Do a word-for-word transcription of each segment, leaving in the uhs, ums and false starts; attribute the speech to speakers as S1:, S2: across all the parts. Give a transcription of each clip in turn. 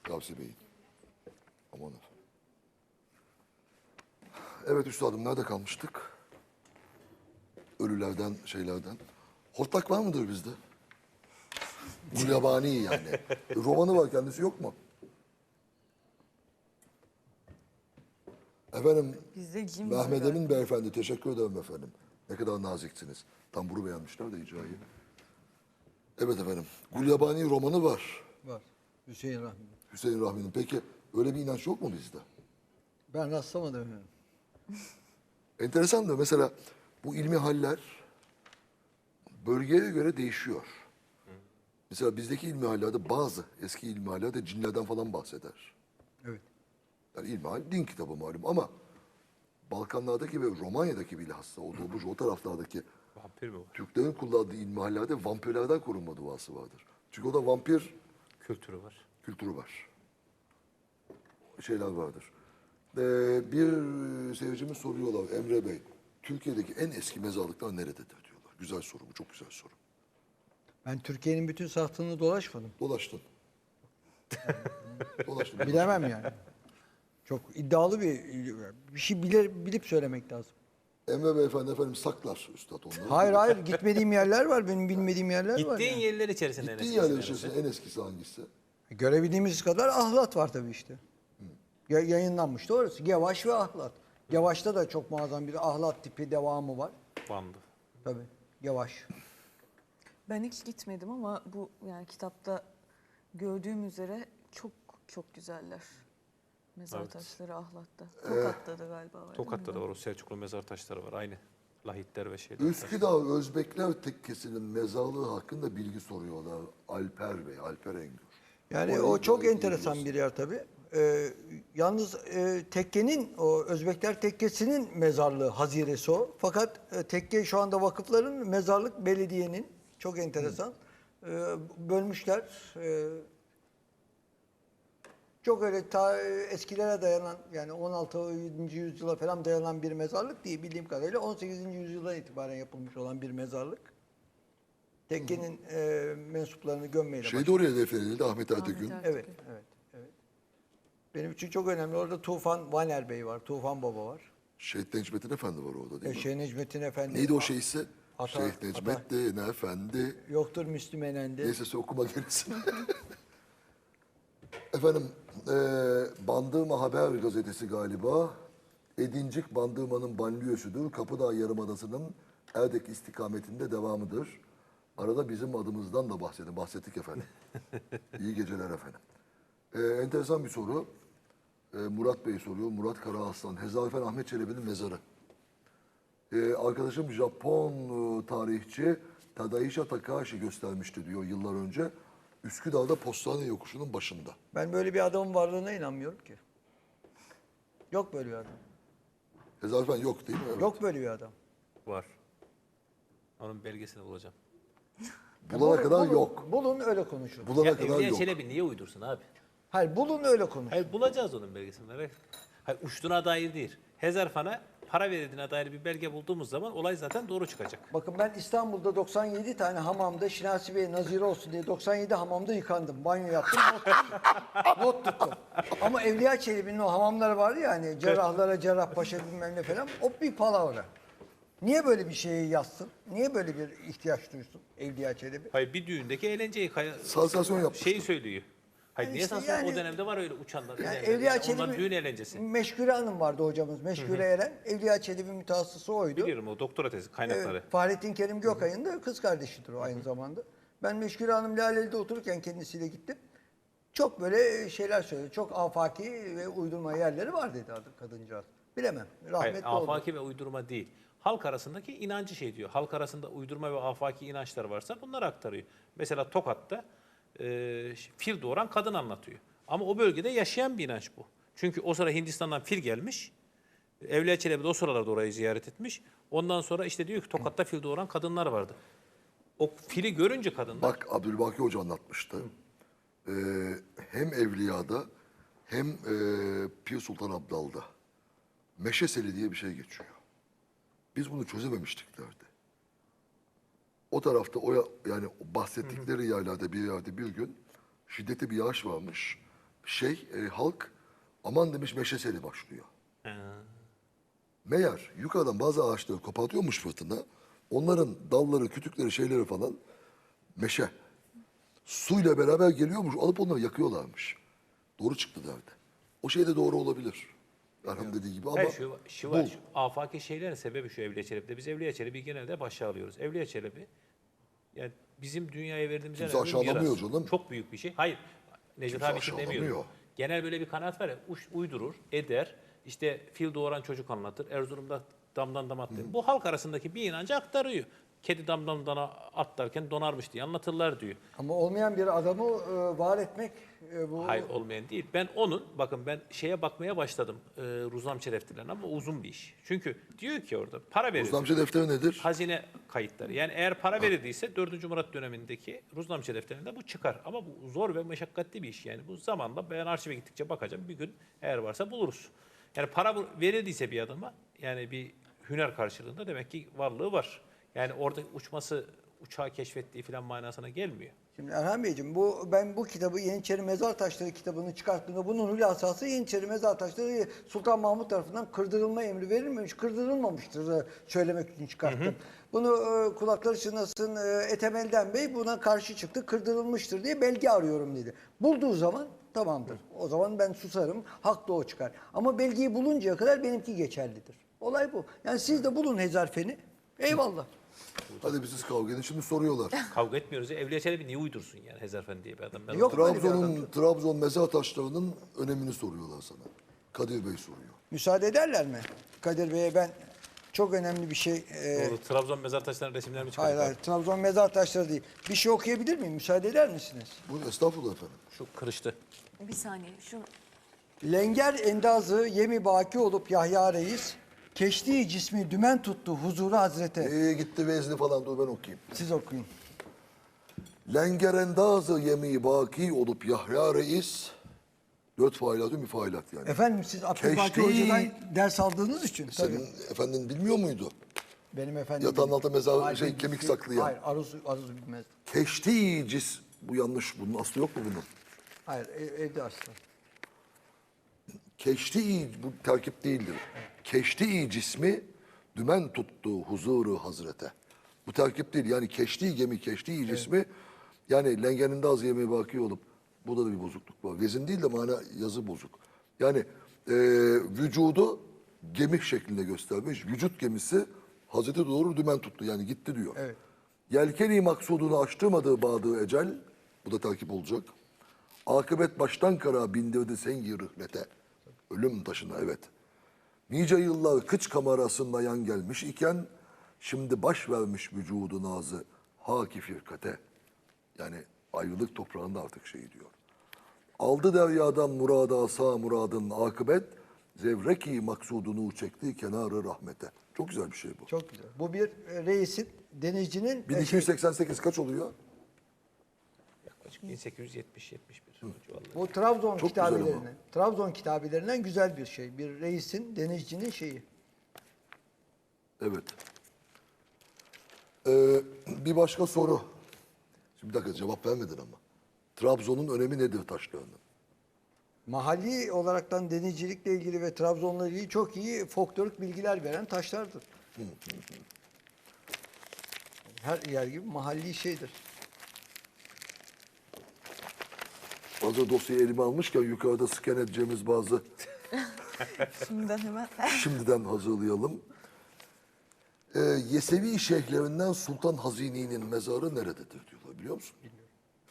S1: Gavsi Bey'in. Aman efendim. Evet üstadım, nerede kalmıştık? Ölülerden, şeylerden. Hortlak var mıdır bizde? Gulyabani yani. Romanı var, kendisi yok mu? Efendim,
S2: Bizde cin var
S1: Mehmet
S2: galiba.
S1: Emin Beyefendi, teşekkür ederim efendim. Ne kadar naziksiniz. Tamburu beğenmişler de icrayı. Evet efendim, Gulyabani romanı var.
S3: Var. Hüseyin Rahmi.
S1: Hüseyin Rahmi'nin. Peki öyle bir inanç yok mu bizde?
S3: Ben rastlamadım efendim.
S1: Enteresan da mesela bu ilmi haller bölgeye göre değişiyor. Mesela bizdeki ilmi hallerde bazı eski ilmi hallerde cinlerden falan bahseder.
S3: Evet.
S1: Yani ilmi hal din kitabı malum ama Balkanlardaki ve Romanya'daki bilhassa o doğmuş o taraflardaki
S4: Vampir mi var?
S1: Türklerin kullandığı ilmi hallerde vampirlerden korunma duası vardır. Çünkü o da vampir
S4: Kültürü var.
S1: kültürü var. Şeyler vardır. Ee, bir seyircimiz soruyorlar Emre Bey. Türkiye'deki en eski mezarlıklar nerededir diyorlar. Güzel soru bu, çok güzel soru.
S3: Ben Türkiye'nin bütün sahtını dolaşmadım.
S1: Dolaştın. Dolaştın.
S3: Bilemem yani. Çok iddialı bir bir şey bilir, bilip söylemek lazım.
S1: Emre Beyefendi efendim saklar üstad onları.
S3: Hayır hayır gitmediğim yerler var, benim bilmediğim yerler var.
S4: Gittiğin
S3: yani.
S4: yerler içerisinde en
S1: Gittiğin
S4: eskisi
S1: yerler
S4: neresi?
S1: içerisinde en eskisi hangisi?
S3: Görebildiğimiz kadar ahlat var tabii işte. Ya, yayınlanmıştı orası. Gevaş ve ahlat. Gevaş'ta da çok muazzam bir ahlat tipi devamı var.
S4: Van'dı.
S3: Tabii. Gevaş.
S2: Ben hiç gitmedim ama bu yani kitapta gördüğüm üzere çok çok güzeller. Mezar
S4: Evet.
S2: taşları Ahlat'ta. Tokat'ta da galiba var. değil mi?
S4: Tokat'ta da var. O Selçuklu mezar taşları var. Aynı. Lahitler ve şeyler.
S1: Üsküdar Özbekler Tekkesi'nin mezarlığı hakkında bilgi soruyorlar. Alper Bey, Alper Engür.
S3: Yani
S1: Orayı
S3: o çok
S1: gayet iyi
S3: enteresan
S1: biliyorsun.
S3: bir yer tabii. Ee, yalnız e, tekkenin, o Özbekler Tekkesi'nin mezarlığı haziresi o. Fakat e, tekke şu anda vakıfların, mezarlık belediyenin. Çok enteresan. Ee, bölmüşler. Ee, çok öyle ta eskilere dayanan, yani on altıncı yüzyıla falan dayanan bir mezarlık değil bildiğim kadarıyla. on sekizinci yüzyıldan itibaren yapılmış olan bir mezarlık. Tekkenin e, mensuplarını gömmeyle
S1: Şey de oraya defnedildi Ahmet Ertegün.
S2: Ertegün.
S3: Evet, evet, evet. Benim için çok önemli. Orada Tufan Vaner Bey var, Tufan Baba var.
S1: Şehit Necmettin Efendi var orada
S3: E,
S1: değil mi?
S3: Şeyh Necmettin Efendi.
S1: Neydi o şeyse?
S3: Ata-
S1: Şeyh Necmettin Efendi.
S3: Yoktur Müslüm Enendi.
S1: Neyse sen okuma gerisini. Efendim, e, Bandırma Haber gazetesi galiba. Edincik Bandırma'nın banliyösüdür. Kapıdağ Yarımadası'nın Erdek istikametinde devamıdır. Arada bizim adımızdan da bahsedin. Bahsettik efendim. İyi geceler efendim. E, enteresan bir soru. E, Murat Bey soruyor. Murat Karaaslan. Hezarfen Ahmet Çelebi'nin mezarı. E, arkadaşım Japon e, tarihçi Tadaisha Takahashi göstermişti diyor yıllar önce. Üsküdar'da Postane Yokuşu'nun başında.
S3: Ben böyle bir adamın varlığına inanmıyorum ki. Yok böyle bir adam.
S1: Hezarfen yok değil mi? Evet.
S3: Yok böyle bir adam.
S4: Var. Onun belgesini bulacağım.
S1: Bulana kadar
S3: bulun,
S1: yok.
S3: Bulun öyle konuşun.
S1: Bulana
S4: Ya
S1: kadar
S4: Evliya
S1: yok.
S4: Çelebi niye uydursun abi?
S3: Hayır bulun öyle konuşun.
S4: Hayır bulacağız onun belgesini. merak etme. Hayır uçtuğuna dair değil. Hezarfan'a para verildiğine dair bir belge bulduğumuz zaman olay zaten doğru çıkacak.
S3: Bakın ben İstanbul'da doksan yedi tane hamamda Şinasi Bey nazire olsun diye doksan yedi hamamda yıkandım. Banyo yaptım, not tuttum. not tuttum. Ama Evliya Çelebi'nin o hamamları vardı ya hani cerrahlara Cerrahpaşa bilmem ne falan. O bir palavra. Niye böyle bir şeyi yazsın? Niye böyle bir ihtiyaç duysun Evliya Çelebi?
S4: Hayır bir düğündeki eğlenceyi kaya...
S1: Sansasyon yapmıştı.
S4: Şeyi söylüyor. Hayır
S3: Yani
S4: niye
S3: işte
S4: sansasyon?
S3: yani-
S4: O dönemde var öyle uçanlar.
S3: Yani
S4: yani,
S3: Evliya
S4: yani onlar
S3: Çelebi,
S4: düğün eğlencesi.
S3: Meşgure Hanım vardı hocamız. Meşgure Eren. Evliya Çelebi mütehassısı oydu.
S4: Biliyorum o doktora tezi kaynakları.
S3: Evet, Fahrettin Kerim Gökay'ın da kız kardeşidir o aynı zamanda. Ben Meşgure Hanım Laleli'de otururken kendisiyle gittim. Çok böyle şeyler söyledi. Çok afaki ve uydurma yerleri var dedi adı kadıncağız. Bilemem.
S4: Hayır,
S3: Rahmetli oldu.
S4: afaki ve uydurma değil. Halk arasındaki inancı şey diyor. Halk arasında uydurma ve afaki inançlar varsa bunları aktarıyor. Mesela Tokat'ta e, fil doğuran kadın anlatıyor. Ama o bölgede yaşayan bir inanç bu. Çünkü o sıra Hindistan'dan fil gelmiş. Evliya Çelebi de o sıralarda orayı ziyaret etmiş. Ondan sonra işte diyor ki Tokat'ta fil doğuran kadınlar vardı. O fili görünce kadınlar...
S1: Bak Abdülbaki Hoca anlatmıştı. Ee, hem Evliya'da hem e, Pir Sultan Abdal'da Meşeseli diye bir şey geçiyor. Biz bunu çözememiştik derdi. O tarafta o ya- yani bahsettikleri yerlerde bir yerde bir gün şiddetli bir yağış varmış. şey e, halk aman demiş meşe seli başlıyor.
S4: Ha.
S1: Meğer yukarıdan bazı ağaçları kopartıyormuş fırtına. Onların dalları, kütükleri, şeyleri falan meşe. Suyla beraber geliyormuş. Alıp onları yakıyorlarmış. Doğru çıktı derdi. O şey de doğru olabilir. Erhan dediği gibi ama
S4: Hayır, şu, şu var,
S1: bu.
S4: şu afaki şeylerin sebebi şu Evliya Çelebi'de. Biz Evliya Çelebi genelde başa alıyoruz. Evliya Çelebi, yani bizim dünyaya verdiğimiz en
S1: Kimse
S4: önemli
S1: aşağılamıyor
S4: miras.
S1: canım.
S4: Çok büyük bir şey. Hayır, Necdet
S1: Kimse
S4: abi için
S1: aşağılamıyor.
S4: demiyorum. Genel böyle bir kanaat var ya, uş- uydurur, eder, işte fil doğuran çocuk anlatır, Erzurum'da damdan dama atlar. Bu halk arasındaki bir inancı aktarıyor. Kedi damdan dama atlarken donarmış diye anlatırlar diyor.
S3: Ama olmayan bir adamı e, var etmek e, bu
S4: Hayır, olmayan değil. Ben onun, bakın ben şeye bakmaya başladım, e, Ruznam Çeleftilerine, ama uzun bir iş. Çünkü diyor ki orada para veriyorsun.
S1: Ruznamçı defteri nedir?
S4: Hazine kayıtları. Yani eğer para verildiyse dördüncü Murat dönemindeki Ruznamçı defterinde bu çıkar. Ama bu zor ve meşakkatli bir iş. Yani bu zamanla ben arşive gittikçe bakacağım. Bir gün eğer varsa buluruz. Yani para bu- verildiyse bir adama, yani bir hüner karşılığında, demek ki varlığı var. Yani orada uçması, uçağı keşfettiği falan manasına gelmiyor.
S3: Şimdi Erhan Beyciğim, bu ben bu kitabı Yeniçeri Mezar Taşları kitabını çıkarttığımda bunun hülasası Yeniçeri Mezar Taşları Sultan Mahmut tarafından kırdırılma emri verilmemiş, kırdırılmamıştır e, söylemek için çıkarttım. Bunu e, kulakları çınlasın e, Etemelden Bey buna karşı çıktı, kırdırılmıştır diye belge arıyorum dedi. Bulduğu zaman tamamdır. O zaman ben susarım, hak da o çıkar. Ama belgeyi buluncaya kadar benimki geçerlidir. Olay bu. Yani siz de bulun Hezarfen'i. Eyvallah.
S1: Hadi biz siz kavga edin. Şimdi soruyorlar.
S4: Kavga etmiyoruz ya. Evliya Çelebi niye uydursun yani Hezarfen diye bir adam? Ben
S3: Yok.
S4: onu-
S1: Trabzon'un Trabzon mezar taşlarının önemini soruyorlar sana. Kadir Bey soruyor.
S3: Müsaade ederler mi? Kadir Bey'e ben çok önemli bir şey... e,
S4: Doğru, Trabzon mezar taşlarının resimlerini çıkardık.
S3: hayır hayır, Trabzon mezar taşları değil. Bir şey okuyabilir miyim? Müsaade eder misiniz?
S1: Buyurun estağfurullah efendim.
S4: Şu kırıştı.
S2: Bir saniye. Şu
S3: Lenger endazı yemi baki olup Yahya Reis, keştiği cismi dümen tuttu huzuru hazrete.
S1: Ee, gitti vezni falan dur ben okuyayım.
S3: Siz okuyun.
S1: Lengerendazı yemi baki olup Yahya Reis. Dört failatü müfailat yani.
S3: Efendim siz Abdülbaki
S1: Keştiği-
S3: Hoca'dan ders aldığınız için tabii.
S1: Senin efendin bilmiyor muydu?
S3: Benim efendim...
S1: Yatağın altında mezar-
S3: Hayır,
S1: şey,
S3: bilgisi-
S1: kemik saklayan.
S3: Hayır, aruz, aruz bilmez.
S1: Keşti cis. Bu yanlış. Bunun aslı yok mu bunun?
S3: Hayır, ev- evde aslan.
S1: Keşti bu terkip değildir. Keşti cismi dümen tuttu huzuru hazrete. Bu terkip değil. Yani keşti gemi keşti cismi yani lengeninde az yemeği baki olup burada da bir bozukluk var. Vezin değil de mana yazı bozuk. Yani e, vücudu gemi şeklinde göstermiş. Vücut gemisi Hazreti doğru dümen tuttu. Yani gitti diyor.
S3: Evet.
S1: Yelkeni maksudunu açtırmadığı bağdığı ecel, bu da takip olacak. Akıbet baştan kara bindirdi sengi rıhlete. Ölüm taşına evet. Nice yıllar kıç kamerasında yan gelmiş iken, şimdi baş vermiş vücudu nazı haki firkate. Yani ayrılık toprağında artık şey diyor. Aldı deryadan murada sağ muradın akıbet, zevreki maksudunu çekti kenarı rahmete. Çok güzel bir şey bu.
S3: Çok güzel. Bu bir e, reisin, denizcinin...
S1: bin
S3: e,
S1: iki yüz seksen sekiz kaç oluyor?
S4: Yaklaşık bin sekiz yüz yetmiş yetmiş bir civarları.
S3: Bu Trabzon
S1: Çok güzel ama.
S3: kitabelerine, Trabzon kitabelerinin güzel bir şey. Bir reisin, denizcinin şeyi.
S1: Evet. Ee, bir başka soru. Şimdi bir dakika cevap vermedin ama. Trabzon'un önemi nedir taşlarının?
S3: Mahalli olaraktan denizcilikle ilgili ve Trabzon'la ilgili çok iyi folklorik bilgiler veren taşlardır. Her yer gibi mahalli şeydir.
S1: Hazır dosyayı elime almışken yukarıda scan edeceğimiz bazı
S2: şimdiden hemen.
S1: şimdiden hazırlayalım. Ee, Yesevi şeyhlerinden Sultan Hazini'nin mezarı nerededir diyorlar biliyor musun? Bilmiyorum.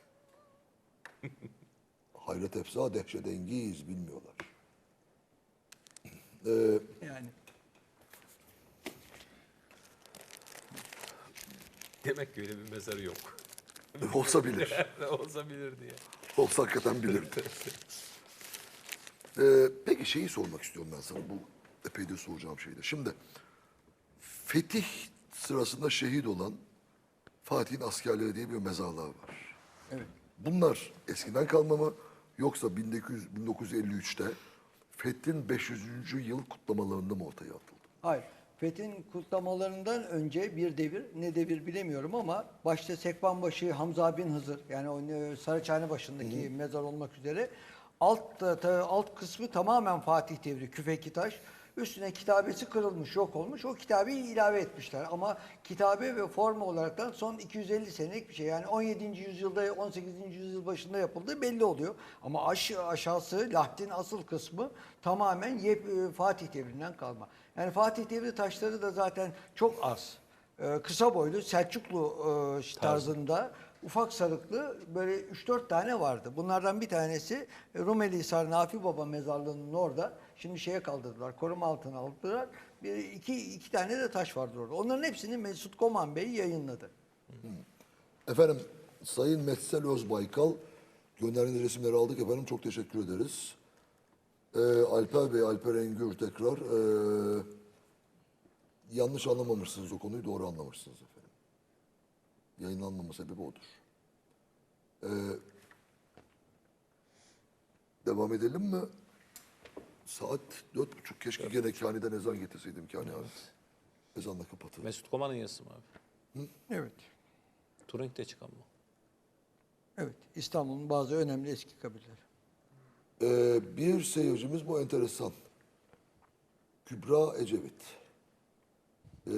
S1: Hayret efza dehşetengiz bilmiyorlar. Ee,
S3: Yani
S4: Demek ki öyle bir mezarı yok.
S1: olsa bilir.
S4: Olsa bilir diye.
S1: Olsa hakikaten bilirdi. Ee, peki şeyi sormak istiyorum ben sana. Bu epeydir soracağım şeyde. Şimdi fetih sırasında şehit olan Fatih'in askerleri diye bir mezarlar var.
S3: evet.
S1: Bunlar eskiden kalma mı yoksa bin dokuz yüz bin dokuz yüz elli üçte Fethin beş yüzüncü yıl kutlamalarında mı ortaya atıldı?
S3: Hayır. Fethin kutlamalarından önce bir devir, ne devir bilemiyorum ama başta Sekbanbaşı Hamza bin Hızır yani o e, Saraçhane başındaki mezar olmak üzere Alt ta- ta- alt kısmı tamamen Fatih devri küfeki taş. Üstüne kitabesi kırılmış, yok olmuş. O kitabeyi ilave etmişler. Ama kitabe ve forma olaraktan son iki yüz elli senelik bir şey. Yani on yedinci yüzyılda, on sekizinci yüzyıl başında yapıldığı belli oluyor. Ama aş aşağısı, lahtin asıl kısmı tamamen yep, e, Fatih devrinden kalma. Yani Fatih devri taşları da zaten çok az. Ee, kısa boylu Selçuklu e, tarzında ufak sarıklı böyle üç dört tane vardı. Bunlardan bir tanesi e, Rumeli Hisar Nafi Baba mezarlığının orada. Şimdi şeye kaldırdılar, koruma altına aldılar. Bir, iki, iki tane de taş vardır orada. Onların hepsini Mesut Koman Bey yayınladı.
S1: Efendim Sayın Metsel Özbaykal gönderdiğiniz resimleri aldık efendim. Çok teşekkür ederiz. Ee, Alper Bey, Alper Engür tekrar ee, yanlış anlamamışsınız o konuyu, doğru anlamışsınız efendim. Yayınlanmama sebebi odur. Ee, devam edelim mi? Saat dört buçuk. Keşke gene Kani'den ezan getirseydim Kani abi. Ezanla kapatır.
S4: Mesut Koman'ın yazısı mı abi?
S3: Evet.
S4: Turing'de çıkan mı?
S3: Evet. İstanbul'un bazı önemli eski kabileleri.
S1: Ee, bir seyircimiz bu enteresan. Kübra Ecevit. Ee,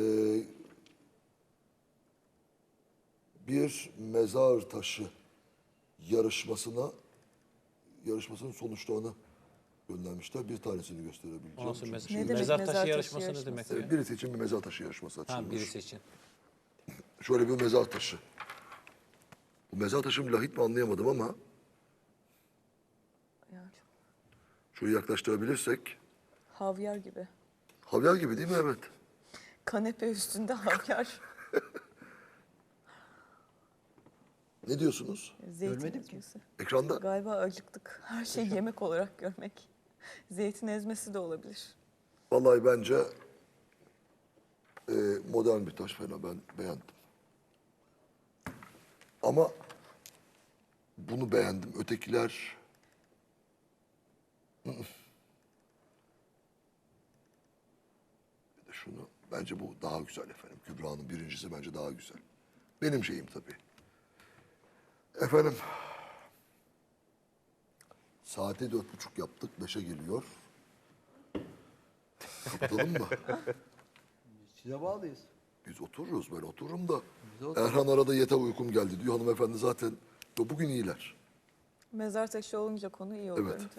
S1: bir mezar taşı yarışmasına yarışmasının sonuçlarını göndermişler. Bir tanesini gösterebileceğim.
S4: O nasıl
S1: Çünkü
S4: mez-
S2: Ne demek
S4: mezar
S2: mezar
S4: taşı
S2: taşı
S4: yarışması ne
S2: yarışması?
S4: demek?
S1: Ee,
S4: ya?
S1: birisi için bir mezar taşı yarışması
S4: Ha,
S1: açılmış.
S4: birisi için.
S1: Şöyle bir mezar taşı. Bu mezar taşı mı lahit mi anlayamadım ama
S2: Ya çok
S1: şöyle yaklaştırabilirsek.
S2: havyar gibi.
S1: Havyar gibi değil mi? Evet.
S2: Kanepe üstünde havyar.
S1: Ne diyorsunuz?
S2: Zeytin
S3: Görmedik mi?
S2: ezmesi.
S1: Ekranda.
S2: Galiba acıktık. Her şey yemek olarak görmek. Zeytin ezmesi de olabilir.
S1: Vallahi bence e, modern bir taş fena, ben beğendim. Ama bunu beğendim. Ötekiler ı-ı. Bir de şunu, bence bu daha güzel efendim. Kübra'nın birincisi bence daha güzel. Benim şeyim tabii. Efendim saati dört buçuk yaptık. Beşe geliyor. Kapatalım mı?
S3: Size bağlıyız.
S1: Biz otururuz, ben otururum da.
S3: Biz otururuz.
S1: Erhan arada yeter uykum geldi diyor. Hanımefendi zaten "Ya bugün iyiler."
S2: Mezar taşı olunca konu iyi oluyor.
S1: Evet.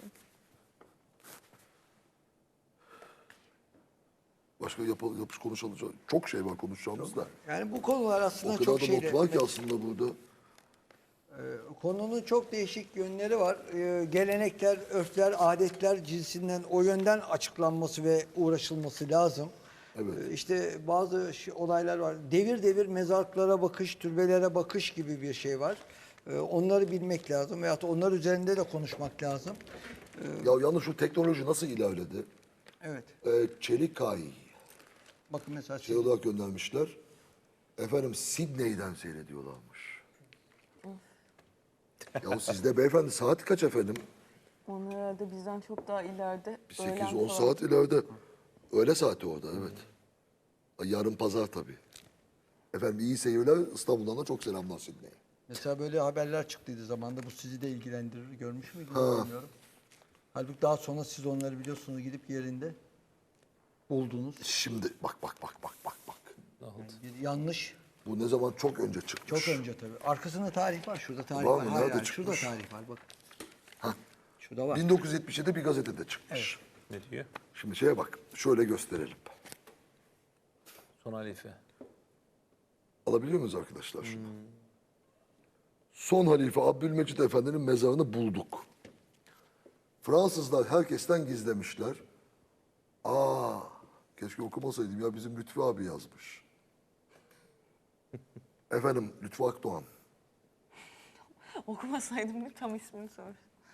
S1: Başka yapalım, yapış konuşalım. Çok şey var konuşacağımız da.
S3: Yani bu konular
S1: O
S3: aslında
S1: kadar
S3: çok
S1: da
S3: şeyle...
S1: not var ki aslında burada.
S3: Konunun çok değişik yönleri var. Ee, gelenekler, örfler, adetler cinsinden o yönden açıklanması ve uğraşılması lazım.
S1: Evet.
S3: Ee, işte bazı şey- olaylar var. Devir devir mezarlıklara bakış, türbelere bakış gibi bir şey var. Ee, onları bilmek lazım veyahut da onlar üzerinde de konuşmak lazım.
S1: Ya yalnız şu teknoloji nasıl ilerledi?
S3: Evet.
S1: Ee, çelik kay
S3: Bakın mesela
S1: şey olarak göndermişler. Efendim Sidney'den seyrediyorlarmış. Ya sizde beyefendi saat kaç efendim?
S2: Onlar herhalde bizden çok daha ileride.
S1: Bir
S2: öğlen
S1: sekiz on
S2: falan.
S1: saat ileride. Öğle saati orada evet. Ay, yarın pazar tabii. Efendim iyi seyirler. İstanbul'dan da çok selamlar Sidney'e.
S3: Mesela böyle haberler çıktıydı zamanda. Bu sizi de ilgilendirir. Görmüş müydünüz bilmiyorum. Halbuki daha sonra siz onları biliyorsunuz gidip yerinde buldunuz.
S1: Şimdi bak bak bak bak bak bak.
S4: Ne oldu?
S3: Bir yanlış.
S1: Bu ne zaman çok önce çıkmış.
S3: Çok önce tabii. Arkasında tarih var. Şurada tarih
S1: Var
S3: var.
S1: mı?
S3: Hayır,
S1: Nerede
S3: hayır, şurada
S1: çıkmış?
S3: tarih var. Bak. Şurada var.
S1: bin dokuz yüz yetmiş yedi bir gazetede çıkmış.
S4: Ne diyor?
S1: Şimdi şeye bak. Şöyle gösterelim.
S4: Son halife.
S1: Alabiliyor muyuz arkadaşlar şunu? Son halife Abdülmecid Efendi'nin mezarını bulduk. Fransızlar herkesten gizlemişler. Aa, keşke okumasaydım ya, bizim Lütfü abi yazmış. Efendim Lütfü Akdoğan.
S2: Okumasaydım değil mi? Tam ismini sor.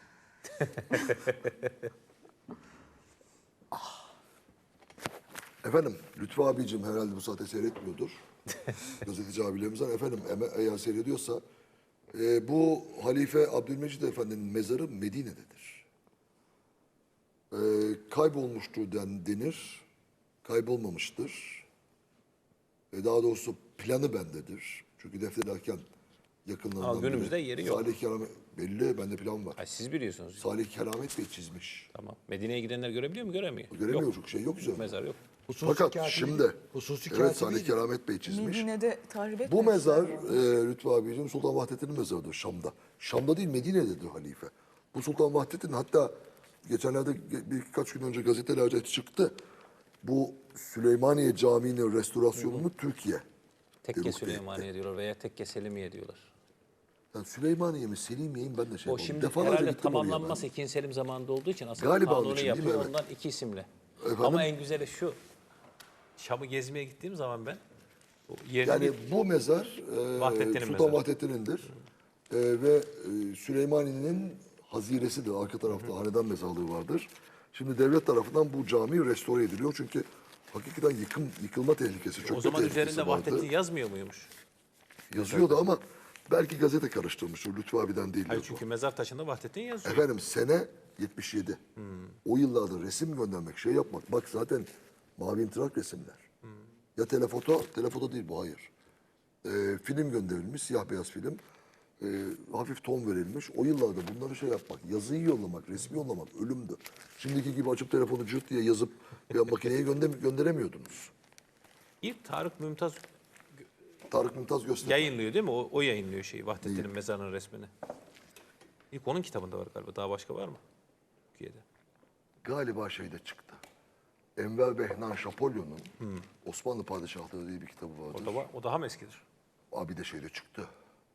S1: Efendim Lütfü abicim herhalde bu saate seyretmiyordur. Gazeteci abilerimizden. Efendim eme- eğer seyrediyorsa e, bu Halife Abdülmecid Efendi'nin mezarı Medine'dedir. E, kaybolmuştur den, denir. Kaybolmamıştır. E, daha doğrusu planı bendedir. Çünkü defnederken yakınlarından
S4: Ama günümüzde
S1: biri
S4: yeri yok.
S1: Salih Kerem Belli, bende plan var.
S4: Ha, siz biliyorsunuz.
S1: Salih Keramet Bey çizmiş.
S4: Tamam. Medine'ye gidenler görebiliyor mu? Göremiyor.
S1: Göremiyor,
S4: Yok.
S1: çok şey yok üzerinde.
S4: Mezar yok.
S3: Hususi
S1: Fakat
S3: katibi-
S1: şimdi,
S3: hususi
S1: evet
S3: katibi-
S1: Salih Keramet Bey çizmiş.
S2: Medine'de tahrip
S1: Bu
S2: etmemişler
S1: mezar
S2: mi?
S1: e, Lütfü abicim Sultan Vahdettin'in mezarıdır Şam'da. Şam'da değil Medine'dedir halife. Bu Sultan Vahdettin hatta geçenlerde ge- birkaç gün önce gazetelerde çıktı. Bu Süleymaniye Camii'nin restorasyonunu Türkiye.
S4: Tekke
S1: Ebru Bey'de.
S4: Süleymaniye diyorlar veya Tekke Selimiye diyorlar.
S1: Yani Süleymaniye mi Selimiye mi ben de şey
S4: O
S1: yapamadım.
S4: şimdi
S1: Defalarca
S4: herhalde
S1: gittim oraya ben.
S4: tamamlanması ikinci Selim zamanında olduğu için aslında
S1: Galiba onun
S4: kanunu
S1: için değil mi?
S4: yapıyor
S1: Evet.
S4: ondan iki isimle.
S1: Efendim?
S4: Ama en güzeli şu. Şam'ı gezmeye gittiğim zaman ben o yerini
S1: Yani
S4: bir-
S1: bu mezar e,
S4: Vahdettin'in
S1: Sultan
S4: mezarı.
S1: Vahdettin'indir. E, ve e, Süleymaniye'nin haziresidir. Arka tarafta hanedan mezarlığı vardır. Şimdi devlet tarafından bu cami restore ediliyor. Çünkü hakikaten yıkım, yıkılma tehlikesi, çökme
S4: o zaman
S1: tehlikesi
S4: üzerinde
S1: vardı.
S4: Vahdettin yazmıyor muymuş?
S1: Yazıyordu ama belki gazete karıştırmıştır. Lütfü abiden değil.
S4: Hayır çünkü mezar taşında Vahdettin yazıyor.
S1: Efendim sene yetmiş yedi. O yıllarda resim göndermek, şey yapmak. Bak zaten mavi intrak resimler. Ya telefoto, telefoto değil bu hayır. Ee, film gönderilmiş, siyah beyaz film. Ee, hafif ton verilmiş. O yıllarda bunları şey yapmak, yazıyı yollamak, resmi yollamak ölümdü. Şimdiki gibi açıp telefonu cırt diye yazıp ya makineye gönder gönderemiyordunuz.
S4: İlk Tarık Mümtaz
S1: Tarık Mümtaz göster.
S4: yayınlıyor değil mi? O, o yayınlıyor şeyi Vahdettin'in mezarının resmini. İlk onun kitabında var galiba. Daha başka var mı? Türkiye'de.
S1: Galiba şeyde çıktı. Enver Behnan Şapolyon'un Osmanlı Padişahları diye bir kitabı vardır.
S4: O, da var, o daha mı eskidir?
S1: Abi de şeyde çıktı.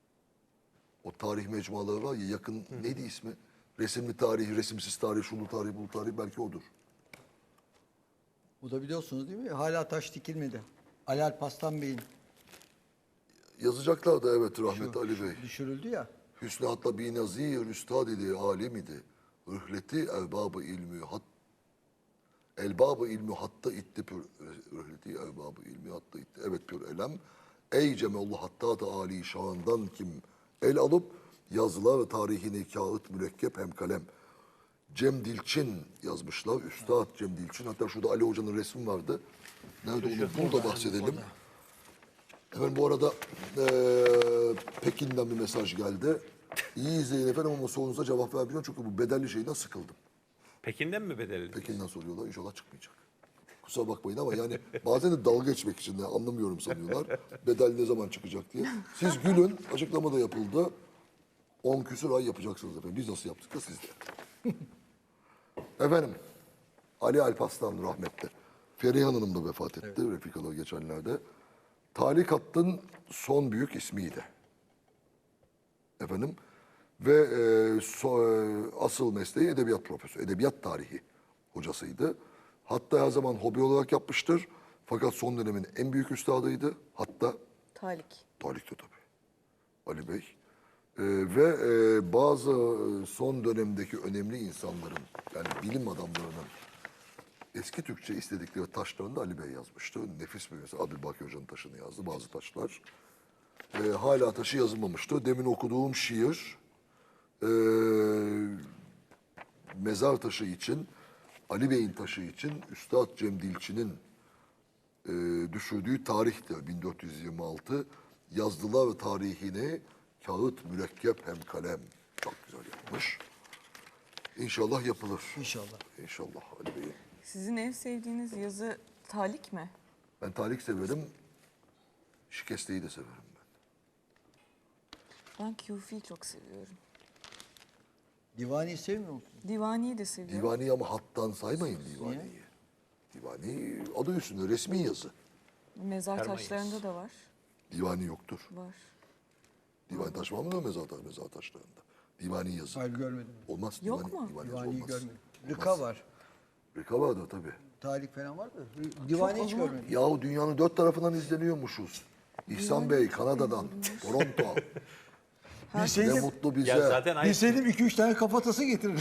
S1: O tarih mecmuaları var ya yakın neydi ismi? Resimli tarih, resimsiz tarih, şunu tarih, bu tarih belki odur.
S3: Bu da biliyorsunuz değil mi? Hala taş dikilmedi. Ali Alparslan Bey'in
S1: Yazacaklar da evet rahmetli Ali Bey.
S3: düşürüldü ya.
S1: Hüsnü hatta bi nazir üstad idi, alim idi. Rühleti erbabı ilmi hat elbabı ilmi hatta itti pür rühleti erbabı ilmi hatta itti. Evet pür elem. Ey cemallah hatta da ali şandan kim el alıp yazılar ve tarihini kağıt mürekkep hem kalem. Cem Dilçin yazmışlar. Üstad Cem Dilçin. Hatta şurada Ali Hoca'nın resmi vardı. Nerede onu burada bahsedelim. Efendim bu arada eee, Pekin'den bir mesaj geldi. İyi izleyin efendim ama sorunuza cevap vermeyeceğim çünkü bu bedelli şeyden sıkıldım.
S4: Pekin'den mi bedelli?
S1: Pekin'den soruyorlar inşallah çıkmayacak. Kusura bakmayın ama yani bazen de dalga geçmek için de anlamıyorum sanıyorlar. Bedel ne zaman çıkacak diye. Siz gülün açıklama da yapıldı. on küsur ay yapacaksınız efendim. Biz nasıl yaptık da siz de. Efendim Ali Alparslan rahmetli. Feriha Hanım da vefat etti refikalar geçenlerde. Talik Hatt'ın son büyük ismiydi. Efendim ve e, so- e, asıl mesleği edebiyat profesörü, edebiyat tarihi hocasıydı. Hatta her zaman hobi olarak yapmıştır. Fakat son dönemin en büyük üstadıydı. Hatta
S2: Talik.
S1: Talik'te tabii. Ali Bey. E, ve e, bazı e, son dönemdeki önemli insanların, yani bilim adamlarının eski Türkçe istedikleri taşlarını da Ali Bey yazmıştı. Nefis bir mesela Abdülbaki Hoca'nın taşını yazdı bazı taşlar. Ee, hala taşı yazılmamıştı. Demin okuduğum şiir ee, mezar taşı için, Ali Bey'in taşı için Üstad Cem Dilçin'in ee, düşürdüğü tarihtir bin dört yüz yirmi altı. Yazdılar ve tarihini kağıt, mürekkep hem kalem. Çok güzel yapmış. İnşallah yapılır.
S3: İnşallah.
S1: İnşallah Ali Bey'in.
S2: Sizin en sevdiğiniz yazı Talik mi?
S1: Ben Talik severim. Şikesteyi de severim ben.
S2: Ben Kufi'yi çok seviyorum.
S3: Divani sevmiyor musun?
S2: Divani'yi de seviyorum.
S1: Divani ama hattan saymayın divaniyi. Divani adı üstünde resmi yazı.
S2: Mezar
S4: Ferman
S2: taşlarında da var.
S1: Divani yoktur.
S2: Var.
S1: Divani taş var mı mezar, taş- mezar taşlarında? Divani yazı.
S3: Hayır görmedim.
S1: Olmaz.
S2: Yok
S1: divani,
S2: mu?
S1: Divani yazı
S3: Divani'yi
S1: olmaz.
S3: görmedim.
S1: Olmaz.
S3: Rıka var.
S1: Rıka vardır tabii.
S3: Talik falan var da. Divani hiç görmedim.
S1: Yahu dünyanın dört tarafından izleniyormuşuz. İhsan Bey Kanada'dan, Toronto. Ne
S3: Bilseydim,
S1: mutlu bize.
S4: Ya zaten aynı.
S3: bilseydim iki üç tane kafatası getiririm.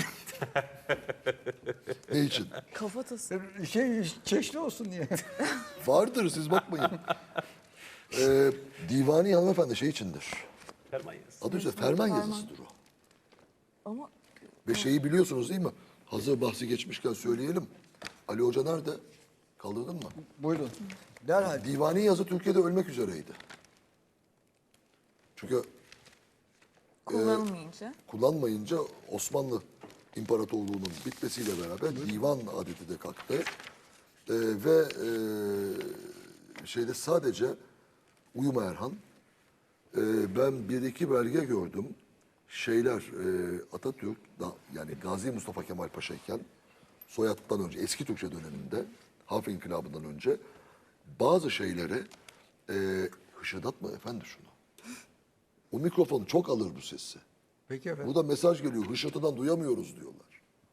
S1: Ne için?
S2: Kafatası.
S3: şey çeşni olsun diye.
S1: Vardır siz bakmayın. ee, divani hanımefendi şey içindir.
S4: Ferman yazısı.
S1: Adı üstünde ferman
S2: Ferman.
S1: yazısıdır o.
S2: Ama
S1: Ve şeyi biliyorsunuz değil mi? Hazır bahsi geçmişken söyleyelim. Ali Hoca nerede? Kaldırdın mı?
S3: Buyurun. Derhal.
S1: Divani yazı Türkiye'de ölmek üzereydi. Çünkü
S2: Kullanılmayınca.
S1: kullanmayınca Osmanlı İmparatorluğu'nun bitmesiyle beraber divan adeti de kalktı. Ee, ve e, şeyde sadece Uyuma Erhan, e, ben bir iki belge gördüm. Şeyler e, Atatürk, da, yani Gazi Mustafa Kemal Paşa'yken soyaddan önce, eski Türkçe döneminde, Harf İnkılabı'ndan önce bazı şeyleri e, hışırdatma efendi şunu. O mikrofon çok alır bu sesi.
S3: Peki efendim.
S1: Burada mesaj geliyor. Hışırtıdan duyamıyoruz diyorlar.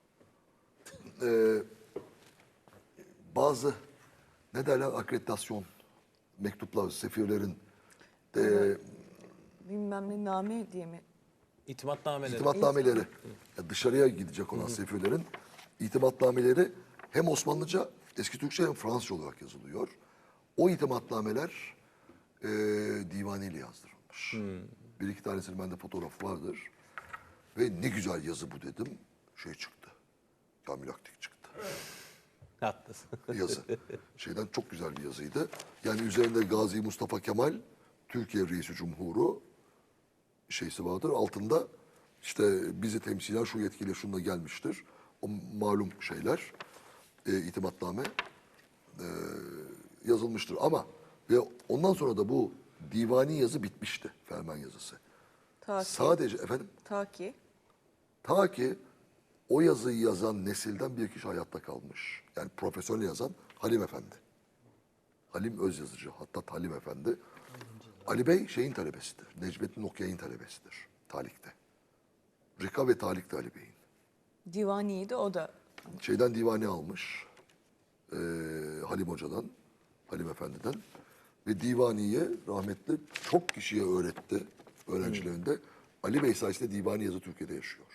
S1: Ee, bazı ne derler akreditasyon mektuplar, sefirlerin e,
S2: Bilmem ne name diye mi?
S4: İtimatnameleri.
S1: itimatnameleri, ya dışarıya gidecek olan sefirlerin itimatnameleri hem Osmanlıca, eski Türkçe hem Fransızca olarak yazılıyor. O itimatnameler e, divaniyle yazdırılmış. Bir iki tanesinin bende fotoğrafı vardır. Ve ne güzel yazı bu dedim. Şey çıktı. Kamil Aktik çıktı.
S4: Haklısın.
S1: Yazı. Şeyden çok güzel bir yazıydı. Yani üzerinde Gazi Mustafa Kemal, Türkiye Reisi Cumhuru şeysi vardır. Altında işte bizi temsilen şu yetkiyle şununla gelmiştir. O malum şeyler, e, itimatname e, yazılmıştır. Ama ve ondan sonra da bu divani yazı bitmişti. Ferman yazısı.
S2: Ta ki.
S1: Sadece efendim
S2: Ta ki.
S1: ta ki o yazıyı yazan nesilden bir kişi hayatta kalmış. Yani profesyonel yazan Halim Efendi. Halim Özyazıcı, hatta Halim Efendi. Ali Bey şeyin talebesidir. Necmettin Okyay'ın talebesidir. Talik'te. Rika ve Talik'te Ali Bey'in.
S2: Divani'ydi o da.
S1: Şeyden divane almış. eee, Halim Hoca'dan, Halim Efendi'den. Ve divaniye rahmetli çok kişiye öğretti öğrencilerinde. Ali Bey sayesinde divani yazı Türkiye'de yaşıyor.